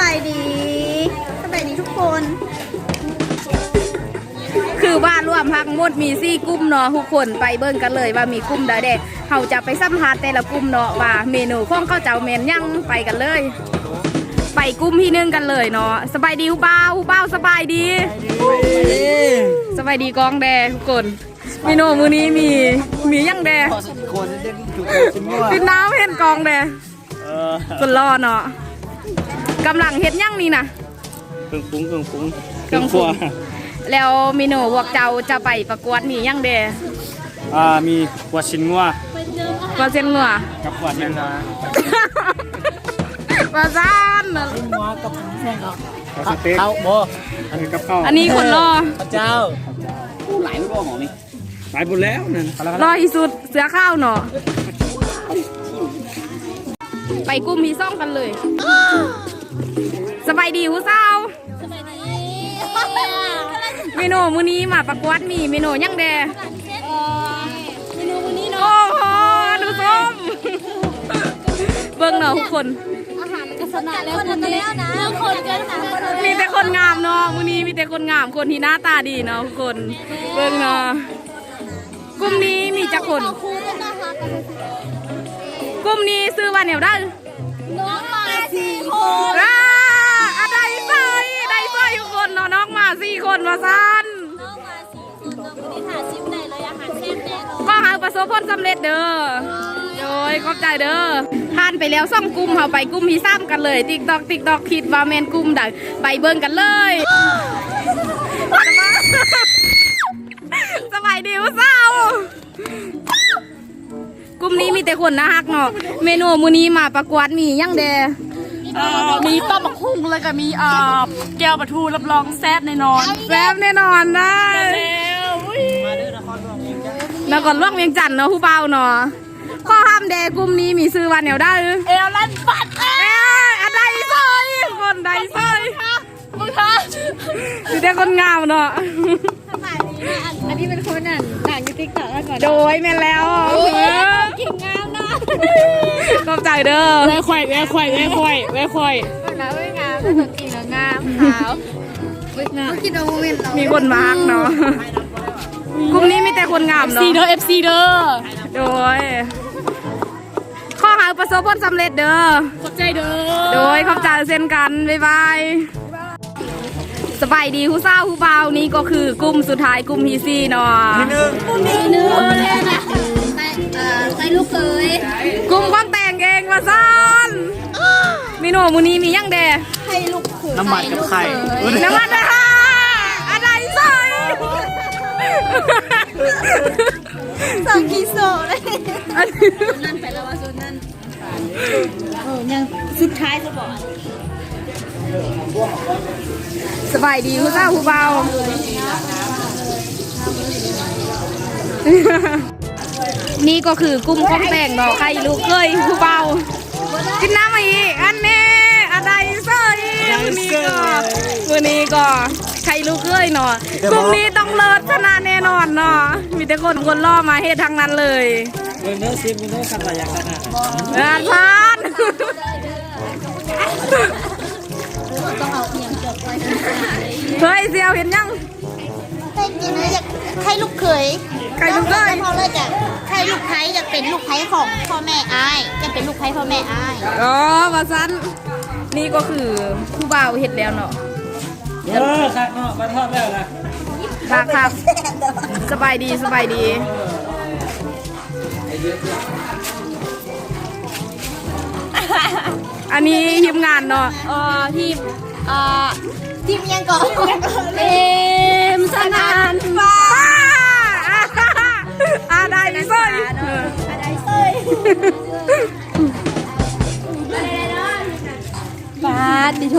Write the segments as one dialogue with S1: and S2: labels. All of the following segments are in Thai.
S1: ายดีทุกคน
S2: คือว่ารวมพักหมดมี4กลุ่มเนาะทุกคนไปเบิ่งกันเลยว่ามีกลุ่มใดเด้เขาจะไปสัมภาษณ์แต่ละกลุ่มเนาะว่าเมนูของเขาเจ้าแม่นยังไปกันเลย ไปกลุ่มที่1กันเลยเนาะสบายดีฮู้บ่าวสบายดีสบายดีกองแดทุกคนเมนูมื้อนี้มียังแดกินน้ำเห็นกองแดคนรอเนาะกำลังเฮ็ดยังนี่นะ
S3: เครื่องปรุง
S2: แล้วเมนูพวกเจ้าจะไปประกวดมียังเด
S3: มีกวาดชิ้นงัว
S2: กวาดเส้นงัว
S3: กับกวาดเนื้อ
S2: ปลาซ่าน
S1: ชิ้นงัวกับแซ่บ
S3: สเต็กข้าวโบอันนี้กับข้าว
S2: อันนี้คนรอ
S3: เจ้าหลายบ่หมอนี่หลายหมดแล้วนั่น
S2: รอที่สุดเสือข้าวเนาะไปกุ้มมีซ่องกันเลยสบายดีผู้สาวเมนูมื้อนี้มาประกวดมีเมนูยังแด
S1: เมนูมื้อนี้เนาะ
S2: โอ้โหดูส้มเบิ่งเนาะทุกคน
S1: อาหารกษณะแล้วคนนี้นะคนกัน
S2: มีแต่คนงามเนาะมื้อนี้มีแต่คนงามคนที่หน้าตาดีเนาะทุกคนเบิ่งเนาะกลุ่มนี้มีจักคนกลุ่มนี้ซื้อว่าแนวได้
S1: น้องมา4 คน
S2: ได้สร้อยทุกคนเนาะน้องมา4 คนมาสั้น
S1: น้องมา4 คนน้องวันนี้หาชิมได้เลยอาหารแซ่บแน่นอน
S2: ก็หาประสบผลสำเร็จเด้อโดยขอบใจเด้อทานไปแล้ว2 กลุ่มเขาไปกลุ่มที่3กันเลยติ๊กตอกคิดว่าแมนกลุ่มใดไปเบิ่งกันเลยสบายดีวะสาวกลุ่มนี้มีแต่คนน่ารักเนาะเมนูมื้อนี้มาประกวดมียังแดมีปลาบักหุ่งแล้วก็มีแก้วปลาทูรับรองแซ่บแน่นอนได้แล้วก็ล่วงเวียงจันทน์เนาะผู้เบาเนาะข้อห้ามแดกลุ่มนี้มีซื้อวันแนวได้
S1: เอลลันปัด
S2: อะไรซอยคนใดซอย
S1: มึงคะ
S2: มีแต่คนงามเนาะ
S1: อันนี้เป็นคนต่างยูทิกต่อก่อน
S2: โดยแม่แล้ว
S1: เก่งงามนะ
S2: ขอบใจเด้อ
S3: แว่ควาย
S1: แบบนั้นไม่งามแต่ตัวจริงแล้วงามขาวคิดว่า
S2: มีคนมาฮักเนาะกลุ่มนี้มีแต่คนงามเนาะ
S1: FC เด้อ
S2: โดยข้อหาประสบผลสำเร็จเด้อ
S1: ขอบใจเด้อ
S2: โดยขอบใจเช่นกันบ๊ายบายสบายดีผู้สาวผู้เบานี่ก็คือกลุ่มสุดท้ายกลุ่มที่4เนาะ
S1: กลุ่มที่1เลยนะใส่ลูกเคย
S2: กลุ่มคนแต่งเองมาซ่อนเมนูมื้อนี้มียังแด
S1: ให้ลูกเคย
S3: น้ำมันกับไข่
S2: น้ำมันนะคะอะไรซอย
S1: 2 กิโลเลยนั่นไปแล้วว่าโซนนั่นยังสุดท้ายจะบอก
S2: สบายดีผู้สาวผู้เบานี่ก็คือกลุ่มของแต่งเนาะใครลูกเคยผู้เบากินน้ำมาอีกอันนี้อะไรเซอร์มื้อนี้ก็ใครลูกเคยเนาะกลุ่มนี้ต้องเลิศชนะแน่นอนเนาะมีแต่คนล่อมาเฮ็ดทางนั้นเลย
S3: เนื้อซิมเนื้อขัดอะไรอย่างนั้น
S2: พาน
S1: ต้องเอาเอียงจบไป
S2: เฮ้ยเซียวเห็นยัง
S1: แต่จริงๆอยากใครลูกเขย
S2: ใครลูกเคย
S1: พอเลยจ้ะใครลูกไผ่อยากเป็นลูกไผ่ของพ่อแม่อ้ายจะเป็นลูกไผ่พ่อแม่อ้าย
S2: ว่าซันนี่ก็คือผู้บ่าวเห็ดแล้วเนาะ
S3: ค่ะเนาะมาทอดแล้วนะครับ
S2: สบายดีอันนี้ทีมงานเนาะ
S1: ทีมยังก่อนสนาน
S2: ฟ้าได้ดิเซย
S1: ได้เซยบาดดิโช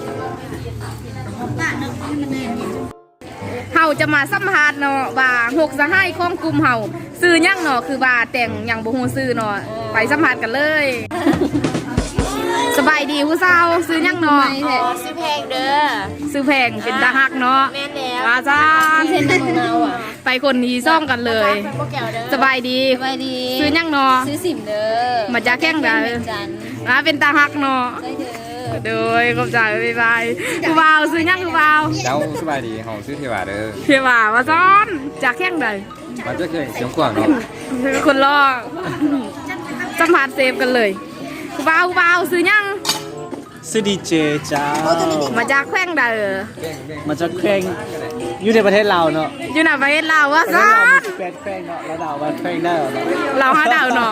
S2: เฮาจะมาสัมภาษณ์เนาะว่า6สหายของกลุ่มเฮาซื้อยังเนาะคือว่าแต่งยังบ่ฮู้ซื้อเนาะไปสัมภาษณ์กันเลยสบายดีผู้สาวซื้อยังเนาะ
S1: ซื้อแพงเด้อ
S2: ซื้อแพงเป็นตาฮักเนาะ
S1: แม่นแล้ว
S2: ว่าจ้า
S1: เส้นของเราอ่ะ
S2: ไปคนนี้ซ่องกันเลยสบายดีซื้อยังเนาะ
S1: ซื้อสิมเด้อ
S2: มาจากแข้งเด้อเป็นตาฮักเนาะโดยขอบใจบ๊ายบายกูบ่าวซื้อยังกูบ่าว
S4: เจ้าสบายดีเฮาชื่อเทวาเด้อ
S2: เพี่บ่าวมาซ้อนจากแข้งใด
S4: มันจะเคยเสียงกว้างเนาะ
S2: คนรอสัมผัสเซฟกันเลยกูบ่าวซื้อยัง
S5: ซื้อดีเจจ้า
S2: มาจากแข้งใด
S5: มาจากแข่งอยู่ในประเทศเราเนาะ
S2: อยู่ไหนประเทศลาววะ
S5: ประเท
S2: ซ้
S5: ศ
S2: อ
S5: เรา
S2: น
S5: มีแฟนแข่งเนาะแล้วดาวว่าแข่งได้เหรอเนาะ
S2: เราหาดาวเนาะ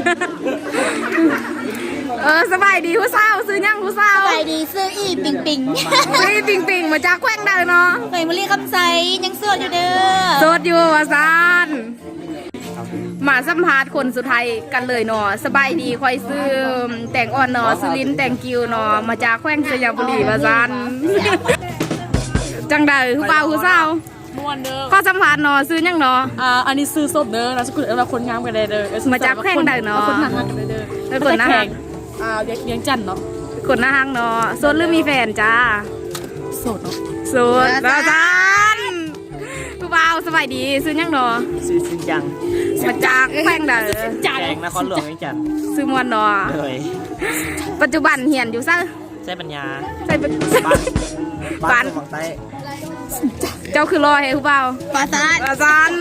S2: สบายดีผู้สาวซื้อยังผู้สาว
S1: ไปดีซื้ออีปิงปิง
S2: ซื้อปิงมาจากแข้งใดเนาะ
S1: ไปมาเรียกคำใสยังโสดอยู่เด้อ
S2: โสดอยู่วะซานมาสัมภาษณ์คนสุดท้ายกันเลยเนาะสบายดีคอยซื้อแต่งอ่อนเนาะซื้อลิ้นแต่งกิวเนาะมาจากแขวงสยามบุรีวะซานจังใดผู้บ่าวผู้สาว
S6: ม่วนเด้อ
S2: ข้อสัมภาษณ์เนาะซื้อยังเนาะ
S6: อันนี้ซื้อศพเด้อนะสกุลเราคนงามกันได้เด้อ
S2: มาจากแพร่งใดเนาะ
S6: คนหนักกันได้เด้อ
S2: เป็นคนหน้าฮัก
S6: เลี้ยงจันเนาะ
S2: คนหน้าฮักเนาะโสดหรือมีแฟนจ้า
S6: โสดเนาะ
S2: โสดวะซานผู้บ่าวสบายดีซื้อยังเนาะ
S5: ซื้อสินจัง
S2: มาจากแขวงใด
S5: แข่งนครหลวงนี่จัน
S2: ซื้อมวนเนาะ
S5: เลย
S2: ปัจจุบันเหียนอยู่ซะ
S5: ใช้ปัญญา
S2: ใส่เป็น
S5: บ้านฝั่งใต้
S2: เจ้าคือรอให้ผู้บ่าว
S1: ปาซาน
S2: อาจารย์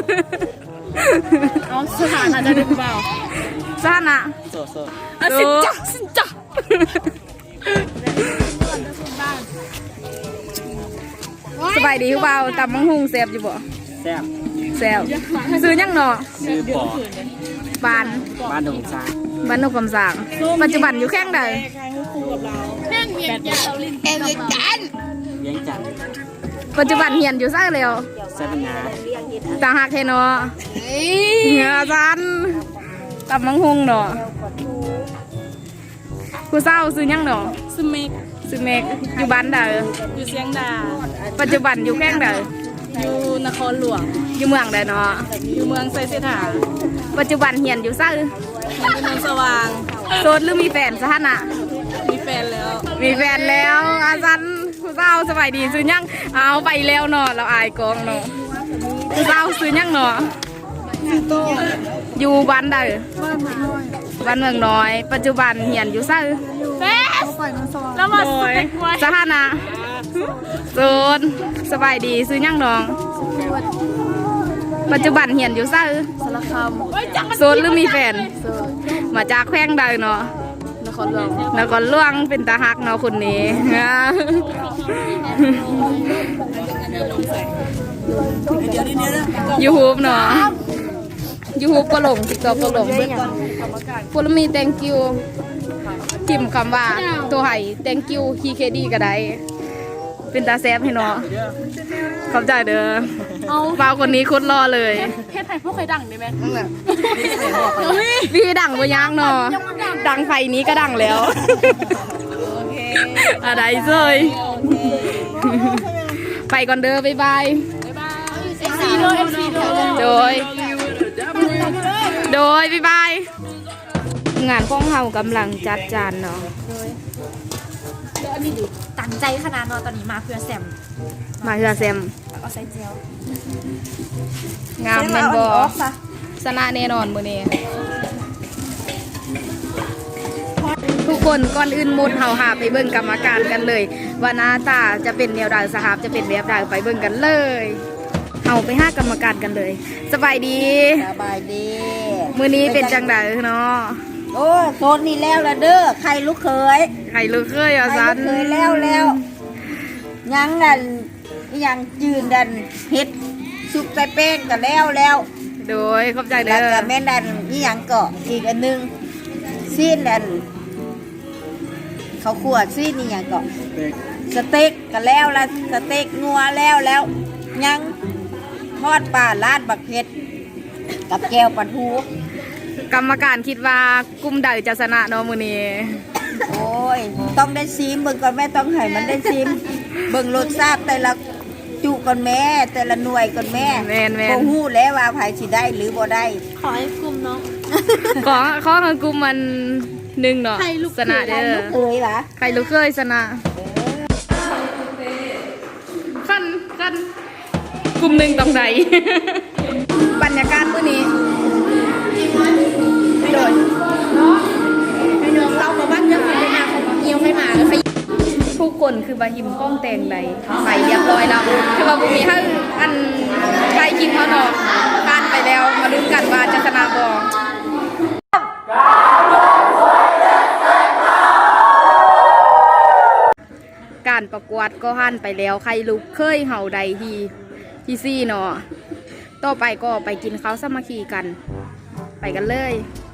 S6: เอาสถานะจะได้เปล่า
S2: ซ่านอ่ะ
S5: โซโซ
S6: สินจ้ะ
S2: สบายดีผู้บ่าวตำมังหุงแซ่บอยู่บ่
S5: แซ่บ
S2: แซ่บซื้อยังเนาะ
S5: ซื้อปอ
S2: บ้าน
S5: บ้านดงซาง
S2: บ้านนกกำสางปัจจุบันอยู่แข้งใด
S1: เอเวกัน
S5: เลี้ยงจัน
S2: ปัจจุบันเหียนอยู่ซ่าแล้ว
S5: ใช้ปัญญา
S2: ตาหักแท้เนาะอาจารย์ตำมังหุงเนาะผู้สาวซื้อยังเนาะ
S6: สเมก
S2: ซื้อเมกอยู่บ้านใด
S6: อยู่เสียงดา
S2: ปัจจุบันอยู่แข้งใด
S6: อยู่นครหลวง
S2: อยู่เมืองใดเนาะ
S6: อยู่เมืองไซเสถา
S2: ปัจจุบันเหียนอยู่ซ่า
S6: อยู่เมืองสว่าง
S2: โสดหรือมีแฟนสถานะ
S6: มีแฟนแล้ว
S2: มีแฟนแล้วอาจารย์ผู้สาวสบายดีซื้อยังเอาไปแล้วเนาะเราอายกองเนาะผู้สาวซื้อยังเนาะอยู่บ้านใดบ้านเมืองน้อย ปัจจุบันเหียนอยู่ซ่า
S6: แล้วมาสเต็กไว้
S2: สถานะโสดสบายดีซื้อยังน้อง ปัจจุบันเหียนอยู่ซ่า
S6: สารคาม
S2: โสดหรือมีแฟนมาจากแขวงใดเนาะ
S6: นครหลวง
S2: นครหลวงเป็นตาฮักเนาะคนนี้ ยูทูบเนาะยูทูบก็ลงติ๊กต็อกก็ลงพลมี thank you พิมพ์คำว่าตัวไห่ thank you KKD ก็ได้เป็นตาแซบให้เนาะขอบใจเด้อบ่าวคนนี้โคตรรอเลย
S6: เพศไทยพวกใครดังได้ไหม
S2: พี่ดังบ่ยังเนาะดังไฟนี้ก็ดังแล้วอะไรเซยไปก่อนเด้อบ๊ายบาย
S6: ซีโร่เอฟซีโร่
S2: โดยบ๊ายบายงานของเฮากำลังจัดจานเนาะ
S1: ตั้งใจขนาดนอนตอนนี้มาเพื่อแซม
S2: มาเฮือแซม
S1: เอาใส่เจล
S2: งามแม่นบ่ชนะแน่นอนมื้อนี้ทุกคนก่อนอื่นหมดเฮาหาไปเบิ่งกรรมการกันเลยว่าหน้าตาจะเป็นแนวใดสหบจะเป็นแบบใดไปเบิ่งกันเลยเฮาไปหากรรมการกันเลยสบายดี
S7: สบายดี
S2: มื้อนี้เป็นจังไดเนาะ
S7: โอ้โซนนี่แล้วละเด้อใครลูกเคย
S2: ใครรู้เคยอ่ะ
S7: ใคร
S2: ซั
S7: ลู
S2: น
S7: กเคยแล้วยังนั่นยังยืนดันเฮ็ดสุกใส่แป้งกันแล้ว
S2: โดยขอบใจ
S7: แล้ว
S2: เด้อ
S7: ก็แม่นดันนี่ยังเกาะอีกอันหนึงซีนดันเขาขวดซีนนี่ยังเกาะสเต็กกันแล้วละสเต็กงัวแล้วยังทอดปลาลาดบักเผ็ดกับแก้วปลาทู
S2: กรรมการคิดว่ากลุ่มใดจะชนะเนาะมื้อนี้
S7: โอ้ย ต้องได้ซิมเบิ่งก่อนแม่ต้องให้มันได้ซิม เบิ่งรสชาติแต่ละจุก่อนแม่ แต่ละหน่วยก่อนแม่
S2: แม่น
S7: บ่ฮู้แล้วว่าไผสิได้หรือบ่ได้
S6: ขอให้กลุ่มเนาะ
S2: ของกลุ่มมันหนึ่งเนาะชนะเด้อ
S7: เคยหรอ
S2: ใครรู้เคยชนะขั้นกลุ่มหนึ่งตรงไหน บรรยากาศมื้อนี้โดย
S7: เรากับบ้านจะเป็นหน้าของเหี่ยว
S6: ยังไม่มาเลยใคร
S2: ทุกคนคือบาหิมกล้องแต่งใดไปเรียบร้อยแล้วคือว่าบุมีให้อันใครคิดเขาเนาะการไปแล้วมาลุ้นกันว่าจะชนะบอการประกวดก็หันไปแล้วใครลุกเคยเห่าใดที่ซี่เนาะต่อไปก็ไปกินข้าวสามัคคีกันไปกันเลย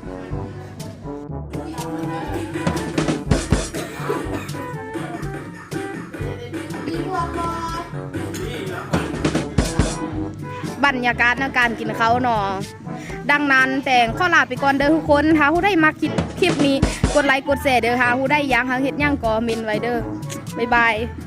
S2: บรรยากาศในการกินข้าวเนาะดังนั้นแต่งข้อลาไปก่อนเด้อทุกคนถ้าผู้ได้มาคลิปนี้กดไลค์กดแชร์เด้อค่ะผู้ได้ยังหาเฮ็ดยังก็เมนไว้เด้อบ๊ายบาย